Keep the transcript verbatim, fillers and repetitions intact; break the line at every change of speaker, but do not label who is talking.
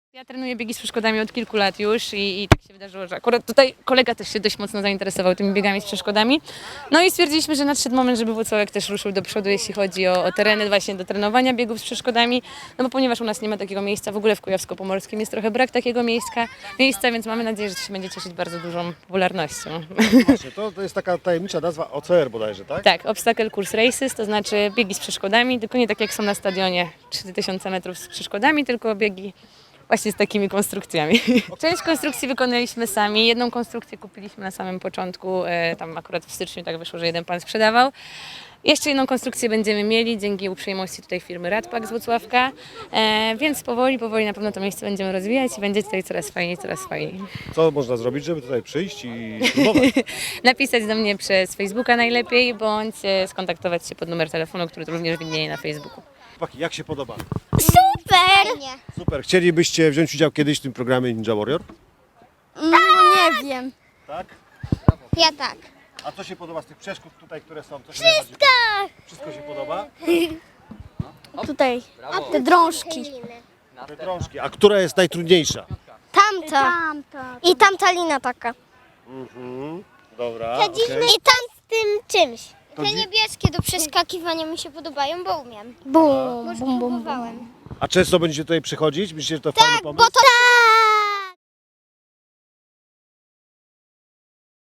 Ja trenuję biegi z przeszkodami od kilku lat już i, i tak się wydarzyło, że akurat tutaj kolega też się dość mocno zainteresował tymi biegami z przeszkodami. No i stwierdziliśmy, że nadszedł moment, żeby Włocławek też ruszył do przodu, jeśli chodzi o, o tereny właśnie do trenowania biegów z przeszkodami. No bo ponieważ u nas nie ma takiego miejsca, w ogóle w Kujawsko-Pomorskim jest trochę brak takiego miejsca, miejsca, więc mamy nadzieję, że to się będzie cieszyć bardzo dużą popularnością.
Właśnie, to, to jest taka tajemnicza nazwa O C R bodajże, tak?
Tak, Obstacle Course Races, to znaczy biegi z przeszkodami, tylko nie tak jak są na stadionie trzy tysiące metrów z przeszkodami, tylko biegi właśnie z takimi konstrukcjami. Część konstrukcji wykonaliśmy sami, jedną konstrukcję kupiliśmy na samym początku, e, tam akurat w styczniu tak wyszło, że jeden pan sprzedawał. Jeszcze jedną konstrukcję będziemy mieli dzięki uprzejmości tutaj firmy Radpak z Włocławka, e, więc powoli, powoli na pewno to miejsce będziemy rozwijać i będzie tutaj coraz fajniej, coraz fajniej.
Co można zrobić, żeby tutaj przyjść i spróbować?
Napisać do mnie przez Facebooka najlepiej, bądź e, skontaktować się pod numer telefonu, który również widnieje na Facebooku.
Chłopaki, jak się podoba?
Super!
Super. Chcielibyście wziąć udział kiedyś w tym programie Ninja Warrior?
No nie wiem.
Tak.
Ja tak.
A co się podoba z tych przeszkód tutaj, które są? Co się Wszystko! Wszystko się podoba?
Tutaj te drążki.
Te drążki. A która jest najtrudniejsza?
Tamta. I tamta lina taka.
Mhm. Dobra.
I tam z tym czymś.
To
Te
dzi-
niebieskie do przeskakiwania mi się podobają, bo umiem.
Bum,
Już
bum, bum, bum.
próbowałem.
A często będziecie tutaj przychodzić? Myślicie, że to fajny pomysł?
Bo to